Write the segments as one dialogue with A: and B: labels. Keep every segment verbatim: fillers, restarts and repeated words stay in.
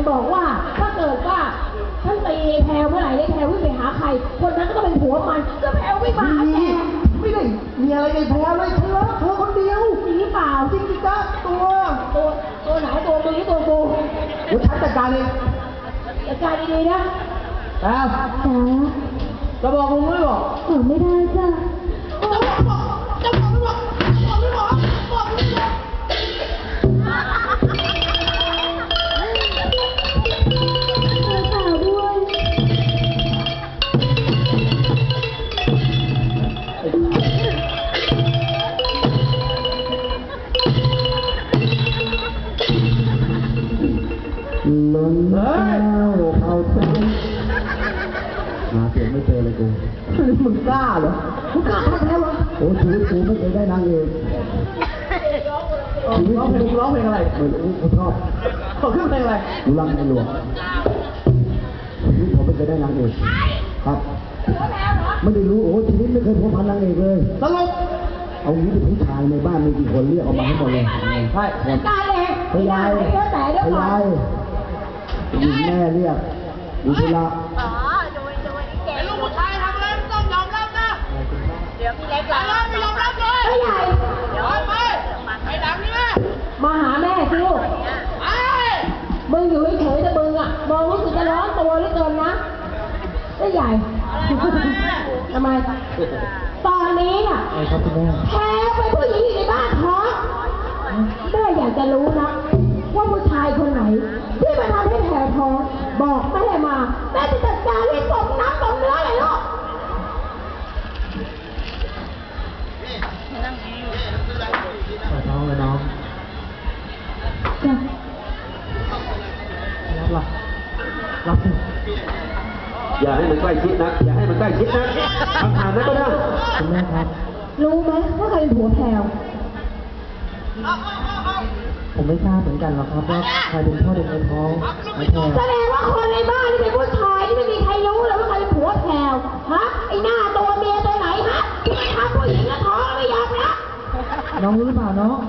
A: บอกว่าถ้าเกิดว่าฉันตีแพรวเมื่อไหร่ได้แพรววิ่งไปหาใครคนนั้นก็ต้องเป็นผัวมันก็แพรวไม่มาหาแก
B: ไม่ได้มีอะไรในแพรวเลยเธอเธอคนเดียว
A: จริงหรือเปล่า
B: จริงจ้ะตัว
A: ตัวตัวไหนตัวมึงหรือตัวกู
B: เดี๋ยวฉันจัดการเอง
A: จัดการดีๆนะ
B: แพรวจะบอกมึงไม่บอก
A: บอกไม่ได้จ้ะ
B: จะบอกไม่บอกบอกไม่บอกบอกไม่บอก
C: ล้นเท้าเอาใจหาเสียงไม่เจอเลยกู
B: มึงกล้าเหรอมึงกล้าทำแล้วเหรอ
C: โอ้ชีวิตกูไม่เคยได้นางเอก
B: ชีวิตกูร้องเพลงอะไร
C: เหมือนกูชอบ
B: ขอเครื่องเพลงอะไร
C: กูรักในหลวงชีวิตผมไม่เคยได้นางเอกครับไม่ได้รู้โอ้ชีวิตไม่เคยพบพันนางเอกเลย
B: ตลก
C: เอางี้เป็นผู้ชายในบ้านมีกี่คนเรียกออกมาให้หมดเลย
B: ใช่
A: ตายเลย
C: พยายพยายยิงแม่เรียกดูเวลา
D: อ๋อดูดูนี่เก่งลูกผู้ชายทำอะไรต้องยอมรับนะเดี๋ยวพี่เล็กอะไรไม่ยอมรับเลย
A: ไม่ใหญ่
D: เดี๋ยวไปไปดังนี่แม่
A: มาหาแม่สิลูก
D: ไอ้
A: มึงอยู่เฉยๆแต่มึงอ่ะมองรู้สึกจะร้อนตัวเหลือเกินนะไม่ใหญ่ทำไมตอนนี้อ่ะแพ้ไปผู้หญิงอยู่ในบ้านท้องแม่อยากจะรู้นะว่าผู้ชายคนไหนที่มาทำให้แผลท้องบอกแม่มาแม่จะจัดการให้ตกน้ำตกเนื้อเลยลูก
B: ปวดท้องเลยน้องรับหรอรับสิ
C: อย่าให้มันใกล้ชิดนักอย่าให้มันใกล้ชิดนักทำทานนั้นก็ได้
B: คุณแม่ครับ
A: รู้ไหมว่าใครเป็นผัวแพรว
B: ผมไม่ทราบเหมือนกันหรอกครับว่าใครเป็นพ่อเด็กในท้องไอ้แพร
A: แสดงว่าคนในบ้านที่เป็นผู้ชายที่ไม่มีใครรู้เลยว่าใครเป็นผัวแพรวฮะไอ้หน้าตัวเมียตัวไหนฮะที่ทำผู้หญิงแล้วท้องไม่ยอมนะ
B: น้องรู้หรือเปล่าน้อง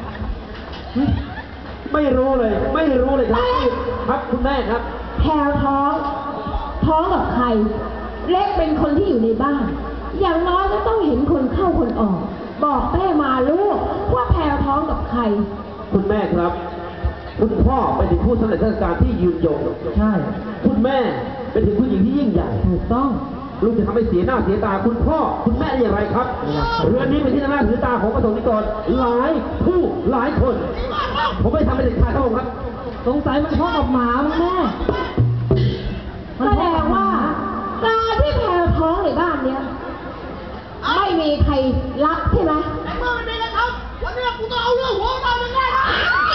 C: ไม่รู้เลยไม่รู้เลยครับครับคุณแม่ครับ
A: แพรวท้องท้องกับใครเล็กเป็นคนที่อยู่ในบ้านอย่างน้อยก็ต้องเห็นคนเข้าคนออกบอกแม่มาลูกว่าแพรวท้องกับใคร
C: คุณแม่ครับคุณพ่อเป็นถึงผู้สำเร็จราชการที่ยืนยง
B: ใช่
C: คุณแม่เป็นถึงผู้หญิงที่ยิ่งใหญ่
B: ถูกต้อง
C: ลูกจะทำให้เสียหน้าเสียตาคุณพ่อคุณแม่ได้อย่างไรครับเรื่องนี้เป็นที่หน้าถือตาของประสงค์นิกรหลายผู้หลายคนผมไม่ทำให้เด็กชายเขาครับ
B: สงสัยมันพ่อกับหมาแม่
A: แสดงว่าการที่แพรวท้องในบ้านเนี้ยไม่มีใครรักใช่ไหม
D: ไอ้เมื่อมันเป็นนะครับวันนี้กูต้องเอาเรื่องหัวมาเป็นไงนะ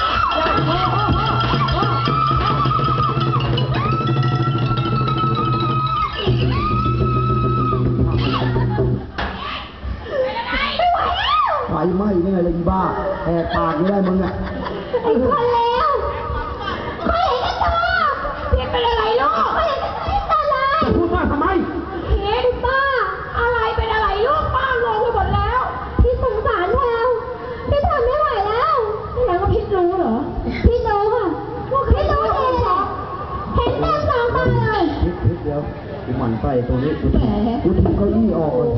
C: ไฟไหม้ยังไงเลยอีบ้าแหกปากไม่ได้มึงอ่ะ
A: ไอ้คนแล้วไม่เห็นกันตัวเพียนเป็นอะไรลูกไม่เห็นกันตัวเลย
C: จะพูดมากทำไม
A: เห็นป้าอะไรเป็นอะไรลูกป้างงไปหมดแล้วพี่สงสารแพรวพี่ทำไม่ไหวแล้วพี่แล้วก็พี่รู้เหรอพี่รู้ค่ะว่าพี่รู้เองเหรอเห็นเต็มสองตาเลย
C: พิษพิษเดียวกูหมั่นไส้ตรงนี้กูถีบกูถีบเก้าอี้ออกเลย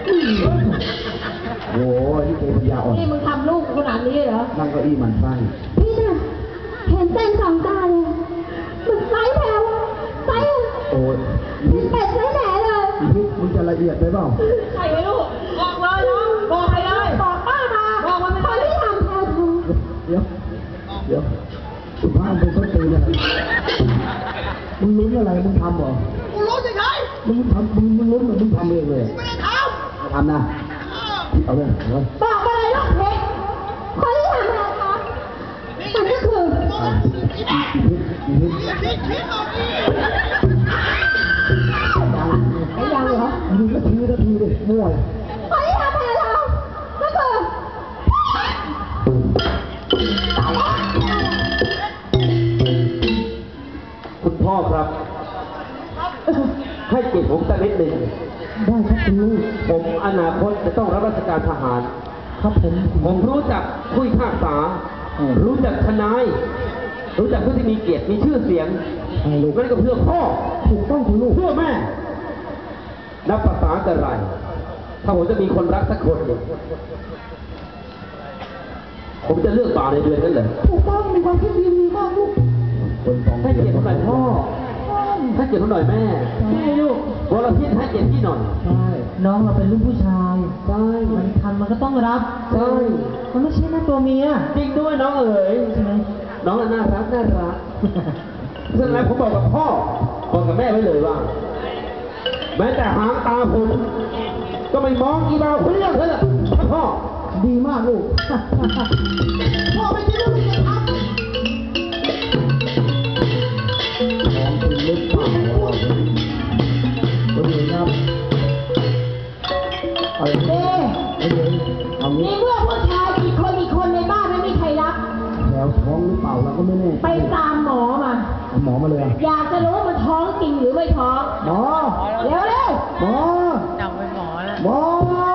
C: โอ้ยนี่เกปัญญาอ่อน
A: นี่มึงทำลูกขนาดนี้เหรอ
C: นั่งเก้าอี้หมั่นไส้
A: พี่น่ะเห็นเต็มสองตาเลยมึงไส้แพรวไส้
C: โอ้ย
A: เป็ดไส้แหน่เลย
C: พิษมึงจะละเอียดไปเปล่า
A: ใช่ไหมลูกบอกเลยน้องบอกไปเลยบอกป้ามาบอกว่าคนที่ทำแพรวทำ
C: เดี๋ยวเดี๋ยวสุภาพเป็นต้นตีอะไรมึงลุ้นอะไรมึงทำเหรอ
D: กูรู้สิใคร
C: มึงทำมึงมึงลุ้นหรือมึงทำเองเลย
D: ไม่ได้ท
C: ำทำนะเอาเลย
A: บอกมาเลยลูกเพชรคนที่ทำแพรวทำมันก็คือ
D: พิษพิษพิษพิษเอาดิ
A: ไอ้ยังเหรอ
C: มึงก็ทีก็ทีเลยมั่ว
A: คนที่ทำแพรวทำก็คือ
C: คุณพ่อครับให้เกียรติผมสักนิดหนึ่ง
B: ได้ครับคุณลูก
C: ผมอนาคตจะต้องรับราชการทหาร
B: ครับผม
C: ผมรู้จักคุยข้าษารู้จักทนายรู้จักผู้ที่มีเกียรติมีชื่อเสียงลูกนั่นก็เพื่อพ่อถูกต้องคุณลูกเพื่อแม่นับภาษากันไรถ้าผมจะมีคนรักสักคนเนี่ยผมจะเลือกบ่าวในเดือนนั้นเลย
B: ถูกต้องมีความคิดดีมากลูก
C: ให้เกียรติหน่อยพ่อให้เกียรติหน่อยแม่
A: ใช่ลูก
C: วรพิษให้เกียรติพี่หน่อย
A: ใช่น้องเราเป็นลูกผู้ชายใช่มันทำมันก็ต้องรับใช่มันไม่ใช่หน้าตัวเมีย
C: จริงด้วยน้องเอ๋ย
A: ใช่ไหม
C: น้องน่ารักน่ารักฉะนั้นผมบอกกับพ่อบอกกับแม่ไว้เลยว่าแม้แต่หางตาผมก็ไม่มองกีฬาคนเดียวเถอะพ่อ
B: ดีมากลูก พ่อไม่คิดว่ามันจะทำ
C: ของจริงหรือเปล่าตัวเองครับเอาอย่างนี้
A: เอ๊ะ
C: เอาอย่างนี้เอา
A: ใน
C: งี้
A: เมื่อผู้ชายกี่คนกี่คนในบ้านไม่มีใครรับ
C: แล้วท้องหรือเปล่าเราก็ไม่แน่
A: ไปตามหมอมา
C: เอาหมอมาเลยอะ
A: อยากจะรู้ว่ามันท้องจริงหรือไม่ท้อง
C: หมอ
A: เร็วเร็ว
C: หมอ
D: จังเป็นหมอแล้ว
C: หมอ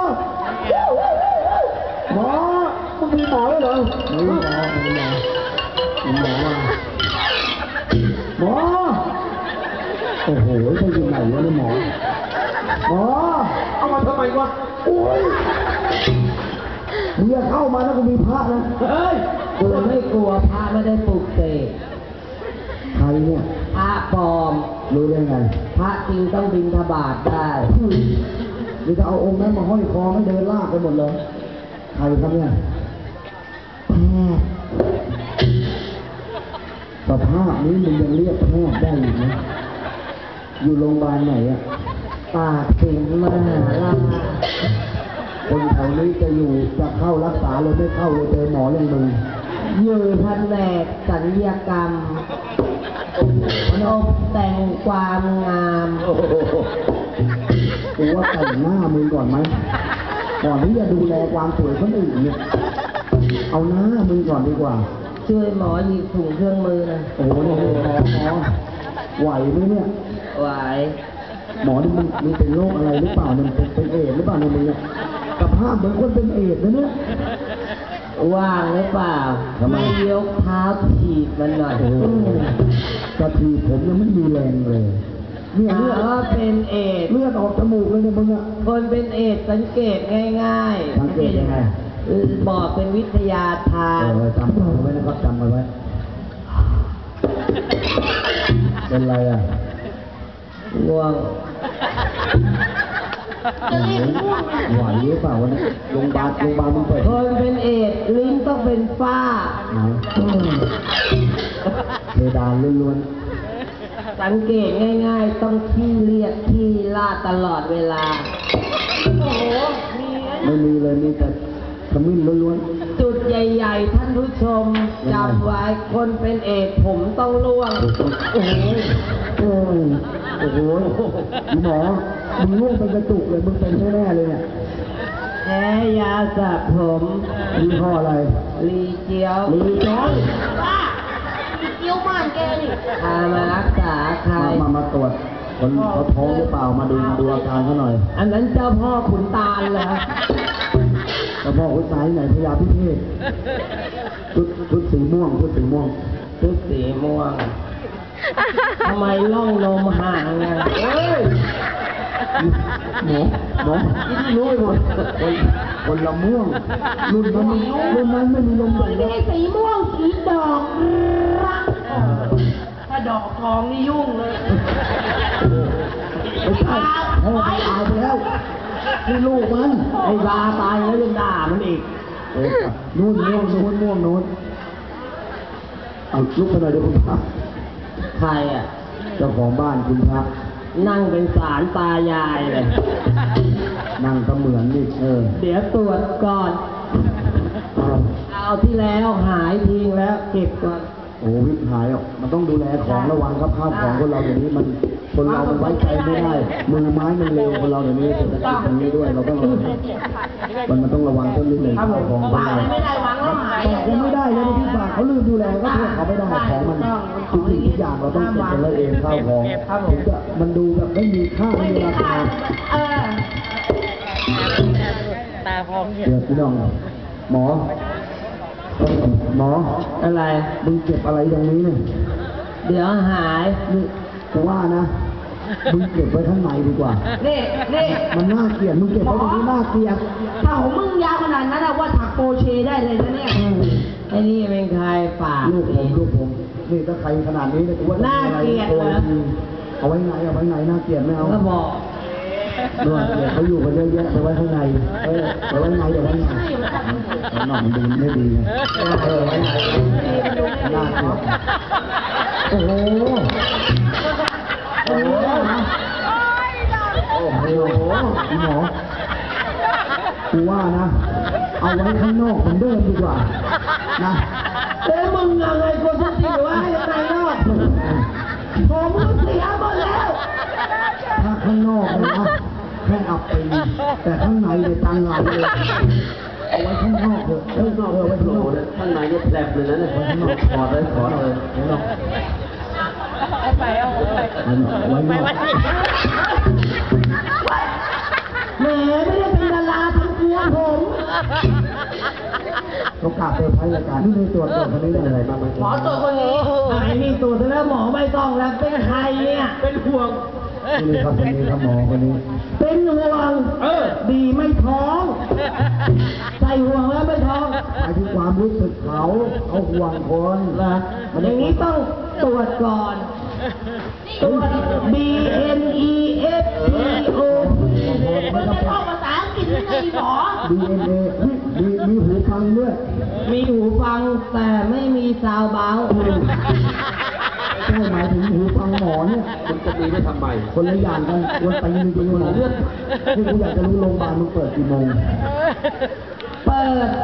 C: หมอมึงมีหมอด้วยเหรอมีหมอมีหมอมีหมอมาหมอโอ้โหจะอยู่ไหนวะเนี่ยหมอหมอเอามาทำไมวะโอ้ยมึงอย่าเข้ามานะกูมีพระนะเฮ้ย
A: กูไม่กลัวพระไม่ได้ปลุกเสก
C: ใครเนี่ย
A: พระปลอม
C: รู้ได้ไง
A: พระจริงต้องบิณฑบาตได้
C: หรือจะเอาองค์นั้นมาห้อยคอไม่เดินลากไปหมดเลยใครครับเนี่ยสภาพนี้มึงยังเรียกแพทย์ได้อยู่ไหมอยู่โรงพยาบาลไหนอะ
A: ปากสิงมหาราช
C: คนแถวนี้จะอยู่จะเข้ารักษาเลยไม่เข้าเลยเจอหมออย่างมึง
A: อยู่แผนกศัลยกรรมตกแต่งความงาม
C: กูว่าแต่งหน้ามึงก่อนไหมก่อนที่จะดูแลความสวยคนอื่นเนี่ยเอาหน้ามึงก่อนดีกว่า
A: ช่วยหมอหยิบถุงเครื่องมือหนะ
C: โอ้โหนี่หมอหมอไหวไหมเนี่ย
A: ไหว
C: หมอนี่มึงมึงเป็นโรคอะไรหรือเปล่ามันเป็นเป็นเอดส์หรือเปล่าเนี่ยมึงเนี่ยสภาพเหมือนคนเป็นเอดส์นะเนี่ย
A: ว่างหรือเปล่า
C: ทำไม
A: ไม่ยกเท้าถีบมันหน่อย
C: โอ้โหกะทีผมยังไม่มีแรงเลยเนี่ย
A: ถา
C: เลือ
A: ม
C: ด
A: ว่าเป็นเอดส์
C: เลือดออกจมูกเลยเนี่ยมึงอะ
A: คนเป็นเอดส์สังเกตง่ายๆ
C: สังเกตยังไง
A: เออบอกเป็นวิทยาทา
C: เอน อจำเอาไว้นะครับจำเอาไว้ เป็นไรอ่ะ
A: ง่วง
C: ไหวหรือเปล่าวะเนี่ยโรงพยาบาลโรงพยาบาลมึงเปิด
A: คนเป็นเอดส์ลิ้นต้องเป็นฝ้า
C: ไหนเพดานล้วน
A: สังเกตง่ายๆ ต้องขี้เลียดขี้ลาดตลอดเวลา
D: โอ้โห มี
C: ๆไม่มีเลยมีแต่ขมิ้นล้วน
A: จุดใหญ่ๆ ท่านผู้ชมจำไว้คนเป็นเอดส์ผมต้องร่วง
C: ๆโอ้โหโอ้ยโอ้โหหมอมึงง่วงเป็นกระจุกเลยมึงเป็นแน่ๆเลยเนี่ย
A: แพ้ยาสระผม
C: ยี่ห้ออะไร
A: รีเจียว
C: ลีจ้อย
D: ป้าเกี้ยวบ้านแกนี่
A: พามารักษาใคร
C: มามามาตรวจคนเขาท้องหรือเปล่ามาดูดูอาการเขาหน่อย
A: อันนั้นเจ้าพ่อขุนตาลเหรอ
C: แล้วพ่อคุณสายไหนพยาพิเทศชุดชุดสีม่วงชุดสีม่วง
A: ชุดสีม่วง ทำไมล่องนมห่างไงเอ้ย
C: หมอหมอที่รู้ไปหมดคนคนละม่วงรุ่นนั้นรุ่นนั้นไม่มีลม
A: มั
C: ใส่
A: นไม่ใช่สีม่วงสีดอกรัก
D: ถ้าดอกทองนี่ยุ่งเลย
C: ไม่ใช่พ่อตายไปแล้วนี่ลูกมัน
A: ไอ้บาตายแล้วยังด่ามันอีก
C: เออนู่นม่วงนู่นม่วงนู่นเอาลุกไปหน่อยเดี๋ยวคุณพระ
A: ใครอ่ะ
C: เจ้าของบ้านคุณพระ
A: นั่งเป็นสารตายายเลย
C: นั่งก็เหมือนนี่เออ
A: เดี๋ยวตรวจก่อน เอาที่แล้วหายทิ้งแล้วเก็บก่อน
C: โอ้วิบหายอ่ะมันต้องดูแลของระวังครับข้าวของคนเราเดี๋ยวนี้มันคนเรามันไว้ใจไม่ได้มือไม้มันเร็วคนเราเดี๋ยวนี้เศรษฐกิจตรงนี้ด้วยเราต้องระวังมันมันต้องระวังต้นนิดหนึ่งข้าวของคนเรา
D: ไม่ได้หวังแล้วหาย
C: ยังไม่ได้เลยพี่ฝากเขาลืมดูแลก็โทษเขาไม่ได้ของมันทุกสิ่งทุกอย่างเราต้องเก็บกันไว้เองข้าวของถึงจะมันดูแบบไม่มีค่าไม่มีราคา
A: เออ
D: ตาพร้อมเห็น
C: เดี๋ยวพี่น้องหมอขหมอ
A: อะไร
C: มึงเก็บอะไรตรงนี้เนี่ย
A: เดี๋ยวหาย
C: นี่กูว่านะมึงเก็บไว้ข้างในดีกว่า
A: นี่นี่
C: มันน่าเกลียดมึงเก็บไว้ตรงนี้น่าเกลียด
A: ถ้าของมึงยาวขนาดนั้นอะว่าถักโปเชได้เลยนะเนี่ยไอ้นี่เป็นใครปาก
C: ลูกผมลูกผมนี่ถ้าใครขนาดนี้เนี่ยกูว่า
A: น่าเกลียดเหรอ
C: เอาไว้ไหนเอาไว้ไหนน่าเกลียดไม่เอา
A: ก็บอก
C: ด้วยเดี๋ยวเขาอยู่กันเยอะแยะไปไว้ข้างในเออไปไว้ในเดี๋ยวไว้ในหน่อยมันดูไม่ดีไงเออไว้ในน่าเกลียดโอ้โหโอ้โหโอ้โหหมอกูว่านะเอาไว้ข้างนอกเหมือนเดิมดีกว่านะเอ้มึงอะไรกูจะตีไว้ข้างนอกผมก็เสียหมดแล้วถ้าข้างนอกเลยนะแค่อับปีแต่ข้างในเลยตังเราเลยเอาไว้ข้างนอกเถอะข้างนอกเออไว้ข้างนอกเลยข้างในเนี่ยแผลบเลยนะเนี่ยไว้ข้างนอกถอดเลยถอดเลยข้างนอก
D: ไปเอาไป
C: ไว้ไว้ไว้
A: แหมไม่ได้เป็นดาราทำกลัวผม
C: โอกาสเซอร์ไพรส์รายการนี่ในตรวจตรวจคนนี้ได้อะไรบ้างไหม
A: หมอตรวจคนนี้ไอ้นี่ตรวจแล้วหมอไม่ต้องแล้วเป็นใครเนี่ยเป็นห่วง
C: นี่ครับคนนี้ครับหมอคนนี้
A: เป็นห่วงเออดีไม่ท้องใส่ห่วงแล้วไม่ท้อง
C: หมายถึงความรู้สึกเขาเขาห่วงคน
A: นะอย่างนี้ต้องตรวจก่อนตรวจ B N E F T O
B: มันจะท่องภาษาอังกฤษยังไงหมอ
C: ดีเอ็นเอมีมีหูฟังด้วย
A: มีหูฟังแต่ไม่มีซาวเบา
C: ใช่หมายถึงหูฟังหมอเนี่ยมันจะมีได้ทำไมคนละอย่างกันวันไปมีเป็นหมอเลือดที่กูอยากจะรู้โรงพยาบาลมันเปิดกี่โมง
A: เปิด